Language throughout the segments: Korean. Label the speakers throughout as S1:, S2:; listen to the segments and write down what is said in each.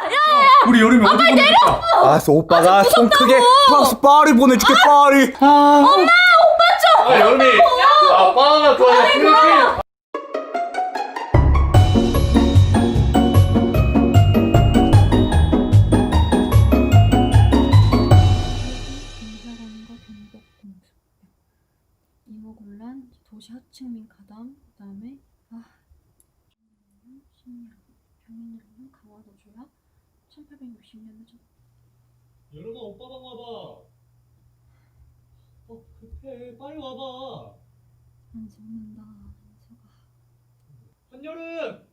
S1: 우리 여름에 어디 보내줄까?
S2: 알았어, 오빠가 손 크게 프랑스 파리 보내줄게. 파리.
S1: 엄마 오빠 좀. 여름이. 바나나 좋아해. 필리핀.
S3: 공사라는 거 경복 공습 이모곤란 도시 하층민 가담 그다음에 심리학 병인이라는 강화도주야 1860년에 전
S1: 여름아 오빠 방 와봐. 급해. 빨리 와봐.
S3: 안 죽는다 안서가
S1: 한여름.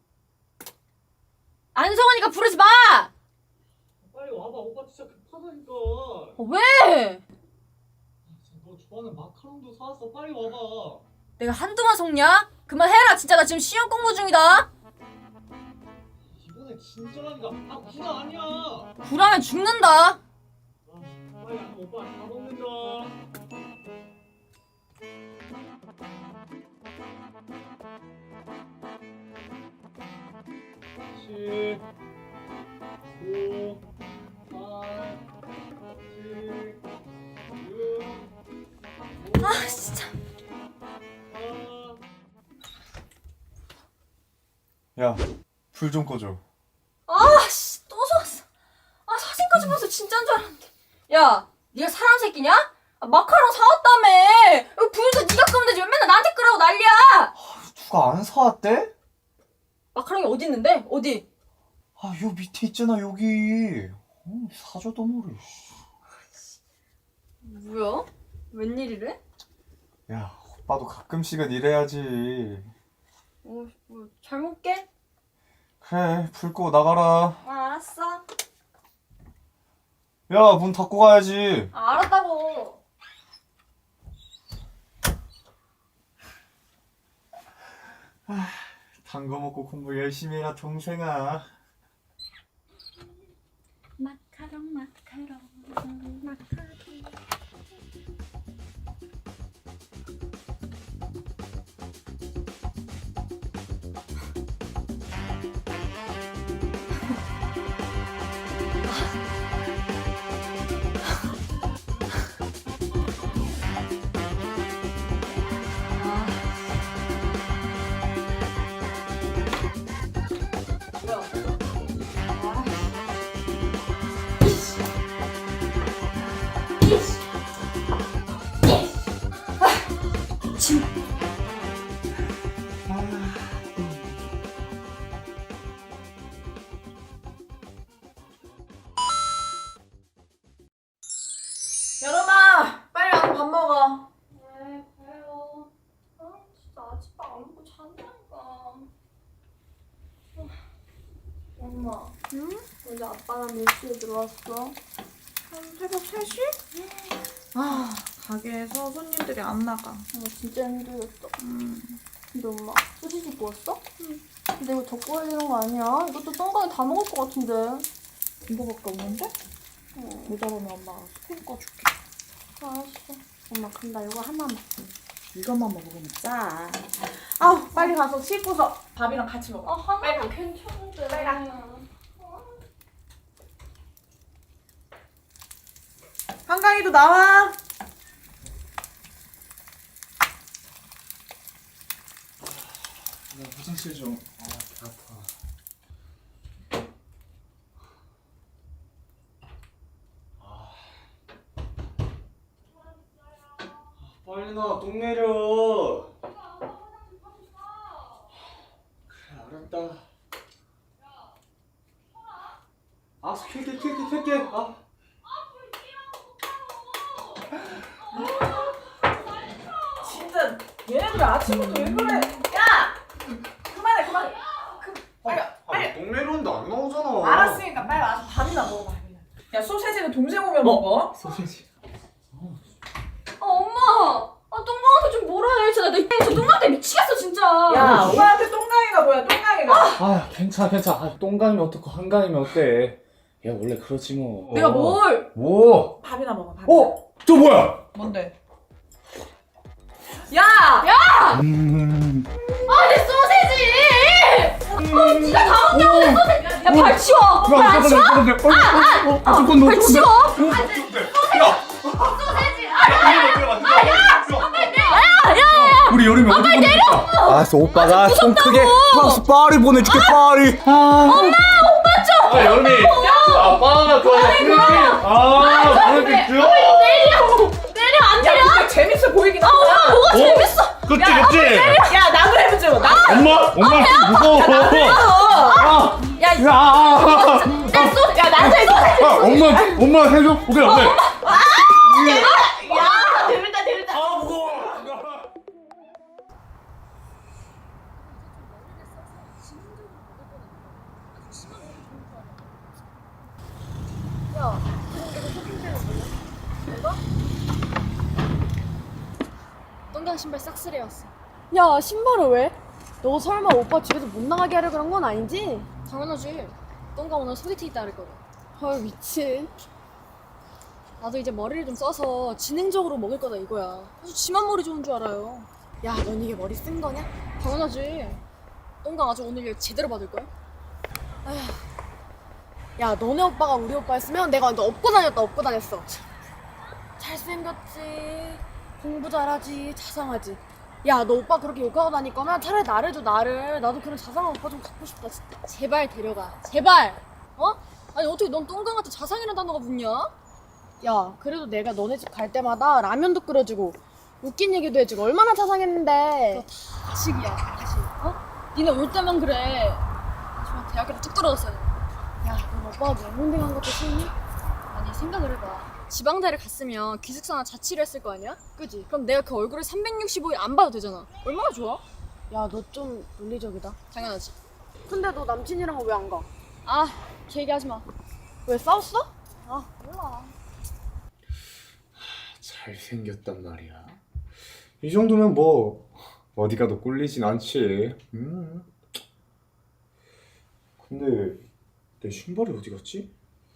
S4: 안성원이가 부르지 마!
S1: 빨리 와봐. 오빠 진짜 급하다니까.
S4: 왜?
S1: 너 좋아하는 마카롱도 사왔어. 빨리 와봐.
S4: 내가 한두만 속냐? 그만해라 진짜 나 지금 시험 공부 중이다.
S1: 이번에 진짜라니까. 구라 아니야.
S4: 구라면 죽는다.
S1: 빨리 안 오빠 다 먹는다. 10 9 8 7 6
S4: 아 진짜.
S2: 야, 불 좀 꺼줘.
S4: 아씨 또 샀어. 아 사진까지 봐서 진짜인 줄 알았는데. 야 네가 사람 새끼냐? 마카롱 사왔다며. 불도 네가 끄면 되지 왜 맨날 나한테 끄라고 난리야.
S2: 누가 안 사왔대?
S4: 마카롱이 어디 있는데? 어디?
S2: 요 밑에 있잖아, 여기. 사줘도 모르.
S4: 뭐야? 웬일이래?
S2: 야, 오빠도 가끔씩은 이래야지.
S4: 뭐 잘 먹게?
S2: 그래, 불 끄고 나가라.
S4: 알았어.
S2: 야, 문 닫고 가야지.
S4: 알았다고.
S2: 단 거 먹고 공부 열심히 해라, 동생아.
S3: 마카롱 마카롱 마카롱
S4: 여름아 빨리 와서 밥 먹어.
S3: 네 가요. 진짜 아침밥 안 먹고 잔다니까. 엄마
S4: 응?
S3: 어제 아빠랑 몇 시에 들어왔어?
S5: 한 새벽 3시? 아, 가게에서 손님들이 안 나가.
S3: 진짜 힘들었어. 근데 엄마 소시지 구웠어? 응. 근데 이거 더 구워야 되는 거 아니야? 이것도 똥강이 다 먹을 것 같은데.
S5: 이거밖에 없는데?
S3: 응.
S5: 모자라면 엄마가 스팸 꺼줄게.
S3: 알았어. 엄마 그럼 나 이거 하나만.
S5: 이것만 먹으면 짜. 아우, 빨리 가서 씻고서 밥이랑 같이 먹어.
S3: 하나만 괜찮은데.
S5: 빨리 가. 한강이도 나와.
S2: 나 화장실 좀. 배 아파. 빨리 나와, 똥 내려. 그래, 알았다. 알았어, 킬게.
S5: 진짜 얘네들 아침부터 왜 그래? 야! 그만해. 빨리.
S2: 똥 내려는데 안 나오잖아.
S5: 알았으니까 빨리 와서 밥이나 먹어, 밥이나. 야, 소세지는 동생 오면 먹어.
S2: 소세지.
S4: 엄마. 똥강한테 좀 뭐라 해. 진짜 나 똥강한테 미치겠어 진짜.
S5: 야, 오빠한테 똥강이가 뭐야, 똥강이가.
S1: 괜찮아. 똥강이면 어떻고 한강이면 어때? 야 원래 그렇지 뭐.
S4: 내가 뭘?
S1: 뭐?
S5: 밥이나 먹어, 밥이나.
S1: 저 뭐야?
S5: 뭔데? 야!
S4: 내 소세지. 진짜 다 먹냐고 내 소세지. 야, 발 치워. 발 치워. 발 치워.
S1: 우리 여름에 어디 보내?
S2: 알았어 오빠가 손 크게 프랑스 파리 보내줄게 파리.
S1: 아 여름이. 아빠 그거 모르겠죠?
S4: 내려 안
S5: 야
S4: 내려.
S5: 근데 재밌어 보이긴 한다.
S4: 뭐가 재밌어?
S1: 그치 그치.
S5: 야 나도 해보자. 나.
S1: 엄마 무서워.
S5: 야 나도 해줘.
S1: 엄마 해줘. 오케이 오케이.
S5: 야 재밌다.
S1: 아 무거워.
S3: 똥강 신발 싹쓸이 왔어. 야, 신발을 왜? 너 설마 오빠 집에서 못 나가게 하려 그런 건 아니지? 당연하지. 똥강 오늘 소개팅 있다 그랬거든. 헐, 미친. 나도 이제 머리를 좀 써서 지능적으로 먹을 거다 이거야. 아주 지만 머리 좋은 줄 알아요. 야, 넌 이게 머리 쓴 거냐? 당연하지. 똥강 아주 오늘 일 제대로 받을걸? 아휴. 야, 너네 오빠가 우리 오빠였으면 내가 완전 업고 다녔다, 업고 다녔어. 잘생겼지, 공부 잘하지, 자상하지. 야, 너 오빠 그렇게 욕하고 다닐 거면 차라리 나를 줘, 나를. 나도 그런 자상한 오빠 좀 갖고 싶다, 진짜. 제발 데려가, 제발. 어? 아니 어떻게 넌 똥강한테 자상이라는 단어가 붙냐? 야, 그래도 내가 너네 집 갈 때마다 라면도 끓여주고 웃긴 얘기도 해주고 얼마나 자상했는데. 그거 다 가식이야, 가식. 어? 니네 올 때만 그래. 정말 대학교도 뚝 떨어졌어야 돼. 야, 넌 오빠가 명문대 간 것도 싫니? 아니, 생각을 해봐. 지방대를 갔으면 기숙사나 자취를 했을 거 아니야? 그지? 그럼 내가 그 얼굴을 365일 안 봐도 되잖아. 얼마나 좋아? 야, 너 좀 논리적이다. 당연하지. 근데 너 남친이랑은 왜 안 가? 아, 걔 얘기하지 마. 왜 싸웠어? 아, 몰라.
S2: 잘생겼단 말이야. 이 정도면 뭐 어디 가도 꿀리진 않지. 근데 내 신발이 어디 갔지?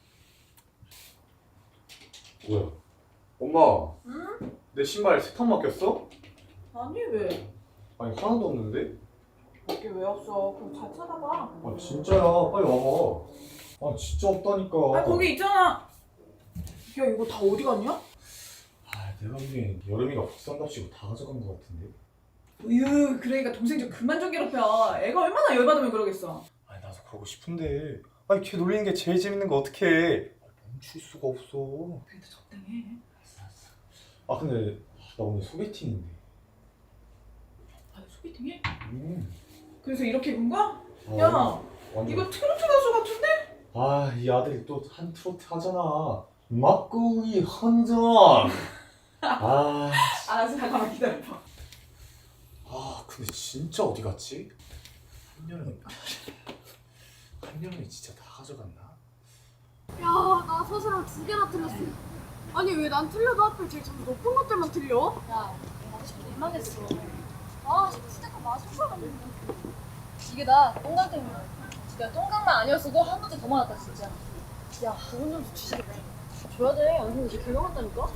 S2: 뭐야? 엄마. 응? 내 신발 세탁 맡겼어?
S5: 아니 왜?
S2: 아니 하나도 없는데?
S5: 거기 왜 없어? 그럼 잘 찾아봐.
S2: 아 진짜야. 빨리 와봐. 아 진짜 없다니까.
S5: 아 거기 있잖아. 야 이거 다 어디 갔냐?
S2: 아 내가 보기엔 여름이가 국산답시고 다 가져간 것 같은데.
S5: 으유 그러니까 동생 좀 그만 좀 괴롭혀. 애가 얼마나 열받으면 그러겠어.
S2: 아니 나도 그러고 싶은데. 아니 걔 놀리는 게 제일 재밌는 거 어떡해. 멈출 수가 없어.
S5: 그래도 적당해.
S2: 아 근데 나 오늘 소개팅인데.
S5: 아 소개팅해?
S2: 음.
S5: 그래서 이렇게 입은 거야?
S2: 아,
S5: 야
S2: 완전.
S5: 이거 트로트 가수 같은데?
S2: 아, 이 아들이 또 한 트로트 하잖아. 막구이 헌전. 아,
S5: 알았어 잠깐만 기다려봐.
S2: 근데 진짜 어디 갔지? 한여름이 진짜 다 가져갔나?
S3: 야, 나 서술을 2개나 틀렸어. 아니, 왜 난 틀려도 하필 제일 점수 높은 것들만 틀려? 야, 내가 진짜 개망했어. 아, 진짜 맞을 줄 알았는데. 이게 나 똥강 때문에. 진짜 똥강만 아니었어도 한 문제 더 많았다, 진짜. 야, 좋은 점수 주시겠다. 줘야 돼. 안 그러면 이제 개명한다니까?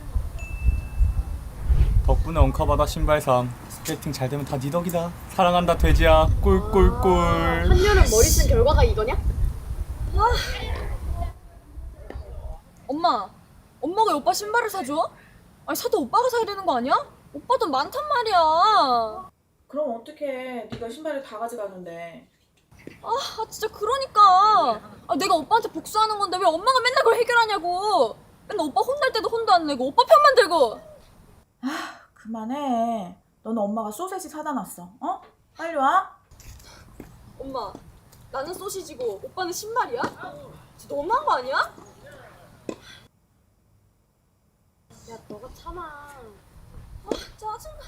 S1: 덕분에 엉카바다 신발상. 스케이팅 잘 되면 다 네 덕이다. 사랑한다 돼지야. 꿀꿀꿀.
S3: 한여름 머리 쓴 결과가 이거냐?
S4: 엄마가 오빠 신발을 사줘? 아니 사도 오빠가 사야 되는 거 아니야? 오빠 돈 많단 말이야.
S5: 그럼 어떡해. 네가 신발을 다 가져가는데.
S4: 아 진짜 그러니까. 아, 내가 오빠한테 복수하는 건데 왜 엄마가 맨날 그걸 해결하냐고. 맨날 오빠 혼날 때도 혼도 안 내고 오빠 편만 들고.
S5: 그만해. 너는 엄마가 소세지 사다 놨어. 어? 빨리 와.
S4: 엄마, 나는 소시지고 오빠는 신발이야? 진짜 너무한 거 아니야?
S3: 야, 너가 참아.
S4: 아 짜증나.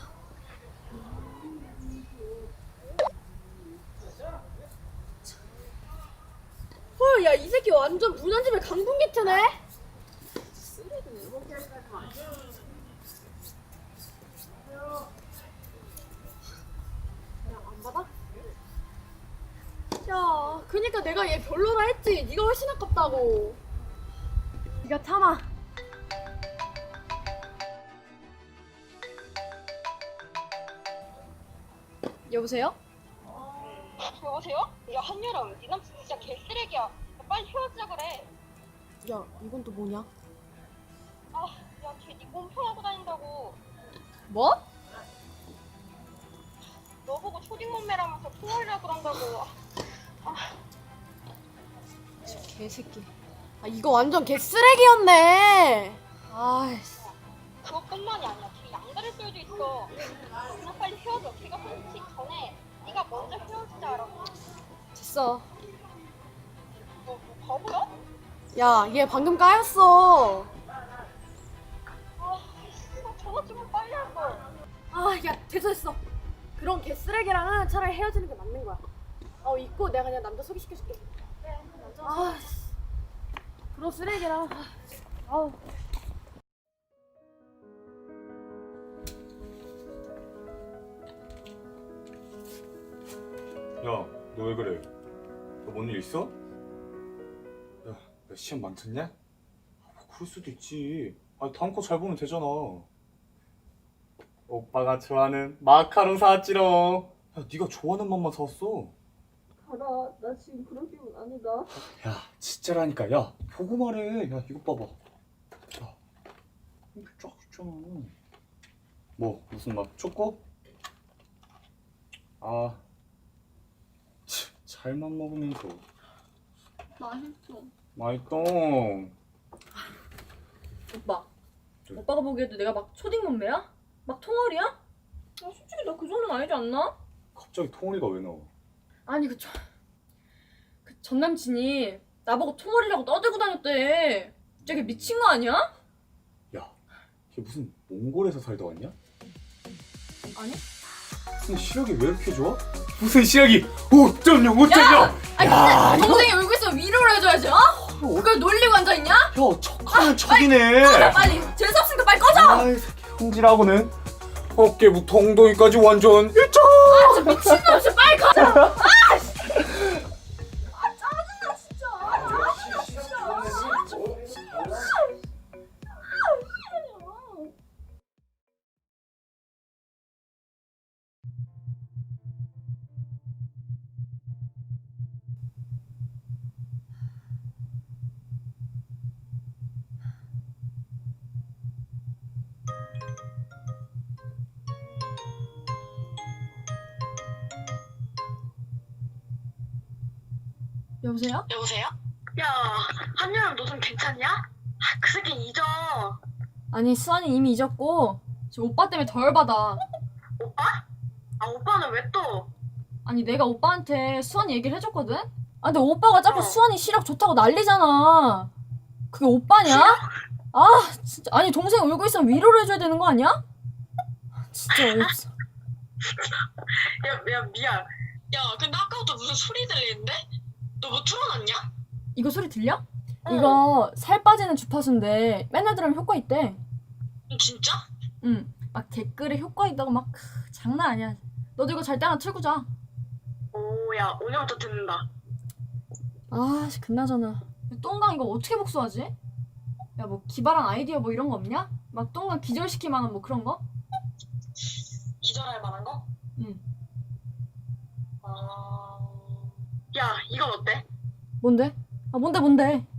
S3: 헐, 야, 이 새끼 완전 무난집에 강풍기트네? 안 받아? 야, 그니까 내가 얘 별로라 했지. 네가 훨씬 아깝다고. 네가 참아. 여보세요?
S6: 여보세요? 야 한여름 네 남친 진짜 개쓰레기야. 야, 빨리 헤어지자 그래.
S3: 야, 이건 또 뭐냐?
S6: 야걔네 몸통하고 다닌다고.
S3: 뭐?
S6: 너 보고 초딩 몸매라면서 통화리라 그런다고.
S3: 개새끼. 아, 이거 완전 개쓰레기였네. 아이씨.
S6: 그것뿐만이 아니야. 걔 양다리 쏠도 있어. 그냥 빨리 헤어져. 걔가 손치기 전에 네가 먼저 헤어지자라고.
S3: 됐어.
S6: 너 바보야?
S3: 야, 얘 방금 까였어.
S6: 나 전화 좀 빨리 할 걸.
S3: 아, 야, 됐어. 그런 개쓰레기랑은 차라리 헤어지는 게 맞는 거야. 있고 내가 그냥 남자 소개시켜줄게.
S6: 그래, 남자.
S3: 아, 씨. 그런 쓰레기랑. 아우.
S1: 야, 너 왜 그래? 너 뭔 일 있어? 야, 너 시험 망쳤냐? 뭐 그럴 수도 있지. 다음 거 잘 보면 되잖아. 오빠가 좋아하는 마카롱 사왔지롱. 야, 네가 좋아하는 맛만 사왔어.
S4: 가라. 나 지금 그런 기분 아니다.
S1: 야, 진짜라니까. 야, 보고 말해. 야, 이거 봐봐. 야, 이렇게 쫙 있잖아. 뭐, 무슨 맛? 초코? 아, 잘만 먹으면서.
S4: 맛있어.
S1: 맛있동.
S4: 오빠.
S1: 네.
S4: 오빠가 보기에도 내가 막 초딩 몸매야? 막 통아리야? 솔직히 나 그 정도는 아니지 않나?
S1: 갑자기 통오리가 왜 나와?
S4: 아니 그 전 남친이 나보고 통아리라고 떠들고 다녔대. 저게 미친 거 아니야?
S1: 야, 걔 무슨 몽골에서 살다 왔냐?
S4: 아니?
S1: 무슨 시력이 왜 이렇게 좋아? 무슨 시력이 5.0, 5.0!
S4: 아니
S1: 야,
S4: 근데 동생이 울고 있으면 위로를 해줘야지 어? 그걸 놀리고 앉아있냐?
S1: 야, 척하는 척이네.
S4: 꺼져 빨리. 재수없으니까 빨리 꺼져.
S1: 아이, 새끼 흥질하고는 어깨부터 엉덩이까지 완전 일정.
S4: 아 진짜 미친놈 진짜 빨리 꺼져. 여보세요?
S6: 여보세요? 야 한여름 너 좀 괜찮냐? 그 새끼 잊어.
S4: 아니 수환이 이미 잊었고 지금 오빠 때문에 더 열받아.
S6: 오빠? 오빠는 왜 또?
S4: 아니 내가 오빠한테 수환이 얘기를 해줬거든? 근데 오빠가 자꾸
S6: 어.
S4: 수환이 시력 좋다고 난리잖아. 그게 오빠냐? 아 진짜. 아니 동생 울고 있으면 위로를 해줘야 되는 거 아니야? 진짜 어이없어.
S6: 야 미안. 야 근데 아까부터 무슨 소리 들리는데? 너 뭐 틀어놨냐?
S4: 이거 소리 들려? 이거 살 빠지는 주파수인데 맨날 들으면 효과 있대.
S6: 진짜?
S4: 응. 막 댓글에 효과 있다고 막 장난 아니야. 너도 이거 잘 때 하나 틀고 자.
S6: 오야 오늘부터 듣는다.
S4: 아 그나저나 똥강 이거 어떻게 복수하지? 야 뭐 기발한 아이디어 뭐 이런 거 없냐? 막 똥강 기절시킬 만한 뭐 그런 거?
S6: 기절할 만한 거?
S4: 응.
S6: 야 이건 어때?
S4: 뭔데? 뭔데?